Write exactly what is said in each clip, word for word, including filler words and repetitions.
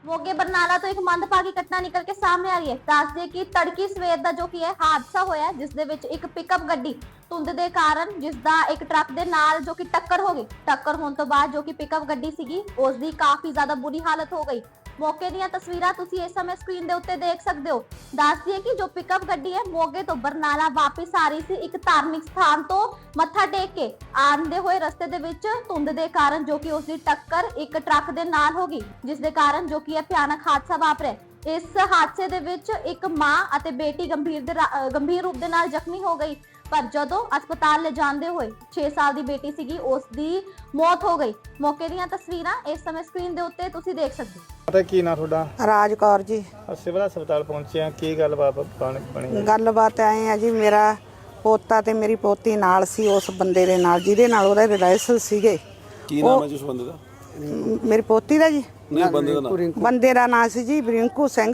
मोगे बरनाला तो एक मंदभागी घटना निकल के सामने आ रही है। दस दे कि तड़की सवेर ਦਾ ਜੋ ਕੀ ਹੈ ਹਾਦਸਾ ਹੋਇਆ ਜਿਸ ਦੇ ਵਿੱਚ ਇੱਕ ਪਿਕਅਪ ਗੱਡੀ ਧੁੰਦ ਦੇ ਕਾਰਨ ਜਿਸ ਦਾ ਇੱਕ ਟਰੱਕ ਦੇ ਨਾਲ ਜੋ ਕਿ ਟੱਕਰ ਹੋ ਗਈ। ਟੱਕਰ ਹੋਣ ਤੋਂ ਬਾਅਦ ਜੋ ਕਿ ਪਿਕਅਪ ਗੱਡੀ ਸੀਗੀ ਉਸ ਦੀ ਕਾਫੀ ਜ਼ਿਆਦਾ ਬੁਰੀ ਹਾਲਤ ਹੋ ਗਈ। ਮੌਕੇ ਦੀਆਂ ਤਸਵੀਰਾਂ ਤੁਸੀਂ ਇਸ ਸਮੇਂ ਸਕਰੀਨ ਦੇ ਉੱਤੇ ਦੇਖ ਸਕਦੇ ਹੋ। ਦੱਸ ਦਈਏ ਕਿ ਜੋ ਪਿਕਅਪ ਗੱਡੀ ਹੈ ਮੋਗੇ ਤੋਂ ਬਰਨਾਲਾ ਵਾਪਸ ਆ ਰਹੀ ਸੀ ਇੱਕ ਧਾਰਮਿਕ ਸਥਾਨ ਤੋਂ ਮੱਥਾ ਟੇਕ ਕੇ ਆਉਂਦੇ ਹੋਏ ਰਸਤੇ ਦੇ ਵਿੱਚ ਧੁੰਦ ਦੇ ਕਾਰਨ ਜੋ ਕਿ ਉਸ ਦੀ ਟੱਕਰ ਇੱਕ ਟਰੱਕ ਦੇ ਨਾਲ ਹੋ ਗਈ ਜਿਸ ਦੇ ਕਾਰਨ ਜੋ ਕਿ ਇਹ ਭਿਆਨਕ ਹਾਦਸਾ ਵਾਪਰਿਆ। ਇਸ ਹਾਦਸੇ ਦੇ ਵਿੱਚ ਇੱਕ ਮਾਂ ਅਤੇ ਬੇਟੀ ਗੰਭੀਰ ਦੇ ਗੰਭੀਰ ਰੂਪ ਦੇ ਨਾਲ ਜ਼ਖਮੀ ਹੋ ਗਈ ਪਰ ਜਦੋਂ ਹਸਪਤਾਲ ਲੈ ਜਾਂਦੇ ਹੋਏ ਛੇ ਸਾਲ ਦੀ ਬੇਟੀ ਸੀਗੀ ਉਸ ਦੀ ਮੌਤ ਹੋ ਗਈ। ਮੌਕੇ ਦੀਆਂ ਤਸਵੀਰਾਂ ਇਸ ਸਮੇਂ ਸਕਰੀਨ ਦੇ ਉੱਤੇ ਤੁਸੀਂ ਦੇਖ ਸਕਦੇ ਹੋ। ਪਤਾ ਕੀ ਨਾ ਤੁਹਾਡਾ? ਰਾਜ ਕੌਰ ਜੀ। ਸਿਵਲ ਹਸਪਤਾਲ ਪਹੁੰਚੇ ਆ, ਕੀ ਗੱਲਬਾਤ ਬਣੀ? ਗੱਲਬਾਤ ਐ ਆ ਜੀ, ਮੇਰਾ ਪੋਤਾ ਤੇ ਮੇਰੀ ਪੋਤੀ ਨਾਲ ਸੀ ਉਸ ਬੰਦੇ ਦੇ ਨਾਲ ਜਿਹਦੇ ਨਾਲ ਉਹਦੇ ਰਿਲੇਸ਼ਨ ਸੀਗੇ। ਕੀ ਨਾਮ ਹੈ ਜੀ ਉਸ ਬੰਦੇ ਦਾ? ਮੇਰੀ ਪੋਤੀ ਦਾ ਜੀ ਨਹੀਂ, ਬੰਦੇ ਦਾ ਨਾਮ ਬੰਦੇ ਦਾ ਨਾਂ ਸੀ ਜੀ ਬਰਿੰਕੂ ਸਿੰਘ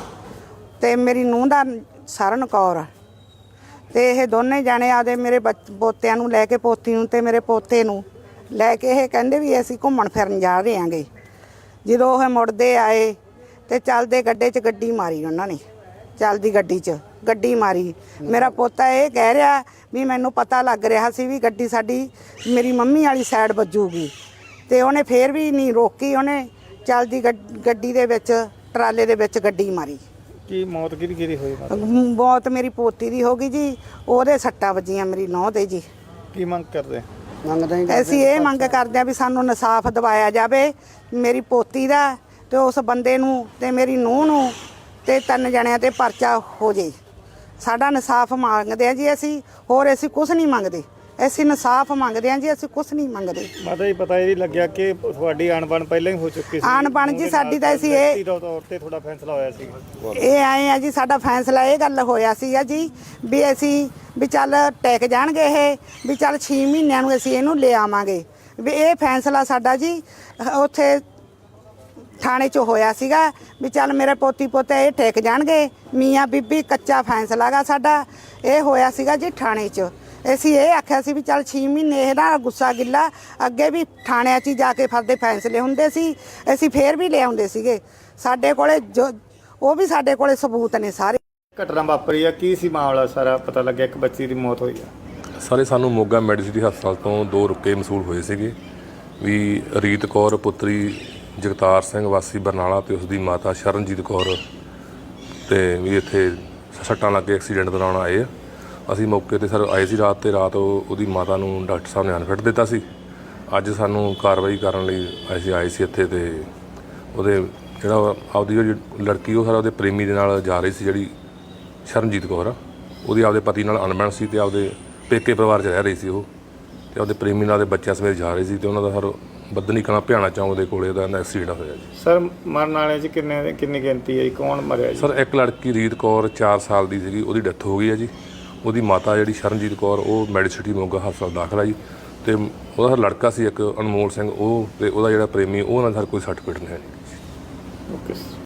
ਤੇ ਮੇਰੀ ਨੂੰਹ ਦਾ ਸਰਨ ਕੌਰ। ਤੇ ਇਹ ਦੋਨੇ ਜਾਣੇ ਆਦੇ ਮੇਰੇ ਪੋਤਿਆਂ ਨੂੰ ਲੈ ਕੇ ਪੋਤੀ ਨੂੰ ਤੇ ਮੇਰੇ ਪੋਤੇ ਨੂੰ ਲੈ ਕੇ ਇਹ ਕਹਿੰਦੇ ਵੀ ਅਸੀਂ ਘੁੰਮਣ ਫਿਰਨ ਜਾ ਰਹੇ ਆਂਗੇ। ਜਦੋਂ ਉਹ ਮੁੜਦੇ ਆਏ ਤੇ ਚੱਲਦੇ ਗੱਡੇ 'ਚ ਗੱਡੀ ਮਾਰੀ ਉਹਨਾਂ ਨੇ। ਚੱਲਦੀ ਗੱਡੀ 'ਚ ਗੱਡੀ ਮਾਰੀ। ਮੇਰਾ ਪੋਤਾ ਇਹ ਕਹਿ ਰਿਹਾ ਵੀ ਮੈਨੂੰ ਪਤਾ ਲੱਗ ਰਿਹਾ ਸੀ ਵੀ ਗੱਡੀ ਸਾਡੀ ਮੇਰੀ ਮੰਮੀ ਵਾਲੀ ਸਾਈਡ ਵੱਜੂਗੀ ਤੇ ਉਹਨੇ ਫੇਰ ਵੀ ਨਹੀਂ ਰੋਕੀ। ਉਹਨੇ ਚੱਲਦੀ ਗੱਡੀ ਦੇ ਵਿੱਚ ਟਰਾਲੇ ਦੇ ਵਿੱਚ ਗੱਡੀ ਮਾਰੀ। ਕੀ ਮੌਤ ਕਿਹਦੀ ਕਿਹਦੀ ਹੋਈ? ਮੌਤ ਮੇਰੀ ਪੋਤੀ ਦੀ ਹੋ ਗਈ ਜੀ, ਉਹਦੇ ਸੱਟਾਂ ਵੱਜੀਆਂ ਮੇਰੀ ਨੂੰਹ ਦੇ ਜੀ। ਕੀ ਮੰਗ ਕਰਦੇ? ਅਸੀਂ ਇਹ ਮੰਗ ਕਰਦੇ ਆ ਵੀ ਸਾਨੂੰ ਇਨਸਾਫ ਦਿਵਾਇਆ ਜਾਵੇ ਮੇਰੀ ਪੋਤੀ ਦਾ ਤੇ ਉਸ ਬੰਦੇ ਨੂੰ ਤੇ ਮੇਰੀ ਨੂੰਹ ਨੂੰ ਤੇ ਤਿੰਨ ਜਣਿਆਂ ਤੇ ਪਰਚਾ ਹੋ ਜੇ। ਸਾਡਾ ਇਨਸਾਫ ਮੰਗਦੇ ਆ ਜੀ ਅਸੀਂ, ਹੋਰ ਅਸੀਂ ਕੁਝ ਨਹੀਂ ਮੰਗਦੇ। ਅਸੀਂ ਇਨਸਾਫ ਮੰਗਦੇ ਆ ਜੀ, ਅਸੀਂ ਕੁਝ ਨਹੀਂ ਮੰਗਦੇ। ਮਾਤਾ ਜੀ ਪਤਾ ਇਹ ਵੀ ਲੱਗਿਆ ਕਿ ਤੁਹਾਡੀ ਅਣਬਣ ਪਹਿਲਾਂ ਹੀ ਹੋ ਚੁੱਕੀ ਸੀ? ਅਣਬਣ ਜੀ ਸਾਡੀ ਤਾਂ ਅਸੀਂ ਇਹ ਤੌਰ ਤੇ ਤੁਹਾਡਾ ਫੈਸਲਾ ਹੋਇਆ ਸੀ? ਇਹ ਆਏ ਆ ਜੀ, ਸਾਡਾ ਫੈਸਲਾ ਇਹ ਗੱਲ ਹੋਇਆ ਸੀਗਾ ਜੀ ਵੀ ਅਸੀਂ ਵੀ ਚੱਲ ਟੈਕ ਜਾਣਗੇ ਇਹ ਵੀ ਚੱਲ ਛੇ ਮਹੀਨਿਆਂ ਨੂੰ ਅਸੀਂ ਇਹਨੂੰ ਲੈ ਆਵਾਂਗੇ। ਵੀ ਇਹ ਫੈਸਲਾ ਸਾਡਾ ਜੀ ਉੱਥੇ ਥਾਣੇ 'ਚ ਹੋਇਆ ਸੀਗਾ ਵੀ ਚੱਲ ਮੇਰੇ ਪੋਤੀ ਪੋਤੇ ਇਹ ਟੈਕ ਜਾਣਗੇ। ਮੀਆਂ ਬੀਬੀ ਕੱਚਾ ਫੈਸਲਾ ਗਾ ਸਾਡਾ ਇਹ ਹੋਇਆ ਸੀਗਾ ਜੀ ਥਾਣੇ 'ਚ। ਅਸੀਂ ਇਹ ਆਖਿਆ ਸੀ ਵੀ ਚੱਲ ਛੇ ਮਹੀਨੇ ਇਹਦਾ ਗੁੱਸਾ ਗਿੱਲਾ ਅੱਗੇ ਵੀ ਥਾਣਿਆਂ 'ਚ ਹੀ ਜਾ ਕੇ ਫਰਦੇ ਫੈਸਲੇ ਹੁੰਦੇ ਸੀ, ਅਸੀਂ ਫੇਰ ਵੀ ਲੈ ਆਉਂਦੇ ਸੀਗੇ। ਸਾਡੇ ਕੋਲੇ ਜੋ ਉਹ ਵੀ ਸਾਡੇ ਕੋਲੇ ਸਬੂਤ ਨੇ ਸਾਰੇ। ਘਟਨਾ ਵਾਪਰੀ ਆ, ਕੀ ਸੀ ਮਾਮਲਾ ਸਾਰਾ ਪਤਾ ਲੱਗਿਆ? ਇੱਕ ਬੱਚੀ ਦੀ ਮੌਤ ਹੋਈ ਆ। ਸਾਰੇ ਸਾਨੂੰ ਮੋਗਾ ਮੈਡੀਸਿਟੀ ਹਸਪਤਾਲ ਤੋਂ ਦੋ ਰੁਕੇ ਮਸੂਲ ਹੋਏ ਸੀਗੇ ਵੀ ਰੀਤ ਕੌਰ ਪੁੱਤਰੀ ਜਗਤਾਰ ਸਿੰਘ ਵਾਸੀ ਬਰਨਾਲਾ ਤੇ ਉਸ ਦੀ ਮਾਤਾ ਸ਼ਰਨਜੀਤ ਕੌਰ ਤੇ ਵੀ ਇੱਥੇ ਸੱਟਾਂ ਲੱਗ ਕੇ ਐਕਸੀਡੈਂਟ ਦੌਰਾਨ ਆਏ ਆ। ਅਸੀਂ ਮੌਕੇ 'ਤੇ ਸਰ ਆਏ ਸੀ ਰਾਤ ਤੇ ਰਾਤ ਉਹਦੀ ਮਾਤਾ ਨੂੰ ਡਾਕਟਰ ਸਾਹਿਬ ਨੇ ਅਨਫਿਟ ਦਿੱਤਾ ਸੀ। ਅੱਜ ਸਾਨੂੰ ਕਾਰਵਾਈ ਕਰਨ ਲਈ ਅਸੀਂ ਆਏ ਸੀ ਇੱਥੇ ਤੇ ਉਹਦੇ ਜਿਹੜਾ ਆਪਦੀ ਜਿਹੜੀ ਲੜਕੀ ਉਹ ਸਾਰਾ ਉਹਦੇ ਪ੍ਰੇਮੀ ਦੇ ਨਾਲ ਜਾ ਰਹੀ ਸੀ ਜਿਹੜੀ ਸ਼ਰਨਜੀਤ ਕੌਰ ਆ, ਉਹਦੀ ਆਪਦੇ ਪਤੀ ਨਾਲ ਅਣਬਣ ਸੀ ਤੇ ਆਪਦੇ ਪੇਕੇ ਪਰਿਵਾਰ 'ਚ ਰਹਿ ਰਹੀ ਸੀ ਉਹ ਤੇ ਆਪਦੇ ਪ੍ਰੇਮੀ ਨਾਲ ਦੇ ਬੱਚਿਆਂ ਸਮੇਤ ਜਾ ਰਹੀ ਸੀ ਤੇ ਉਹਨਾਂ ਦਾ ਸਰ ਬੱਦਨੀ ਕਲਾਂ ਭਿਆਣਾ ਚੌਂਕ ਦੇ ਕੋਲੇ ਦਾ ਐਕਸੀਡੈਂਟ ਹੋਇਆ ਜੀ। ਸਰ ਮਰਨ ਵਾਲੇ 'ਚ ਕਿੰਨੇ ਕਿੰਨੀ ਗਿਣਤੀ ਹੈ ਜੀ? ਕੌਣ ਮਰਿਆ ਜੀ? ਸਰ ਇੱਕ ਲੜਕੀ ਰੀਤ ਕੌਰ ਚਾਰ ਸਾਲ ਦੀ ਸੀਗੀ, ਉਹਦੀ ਡੈਥ ਹੋ ਗਈ ਹੈ ਜੀ। ਉਹਦੀ ਮਾਤਾ ਜਿਹੜੀ ਸ਼ਰਨਜੀਤ ਕੌਰ ਉਹ ਮੈਡੀਸਿਟੀ ਮੋਗਾ ਹਸਪਤਾਲ ਦਾਖਲ ਆ ਜੀ ਤੇ ਉਹਦਾ ਲੜਕਾ ਸੀ ਇੱਕ ਅਨਮੋਲ ਸਿੰਘ ਉਹ ਤੇ ਉਹਦਾ ਜਿਹੜਾ ਪ੍ਰੇਮੀ ਉਹ ਨਾਲ ਸਰ ਕੋਈ ਸੱਟ ਪਿੱਟ ਨਹੀਂ ਹੈ ਜੀ। ਓਕੇ।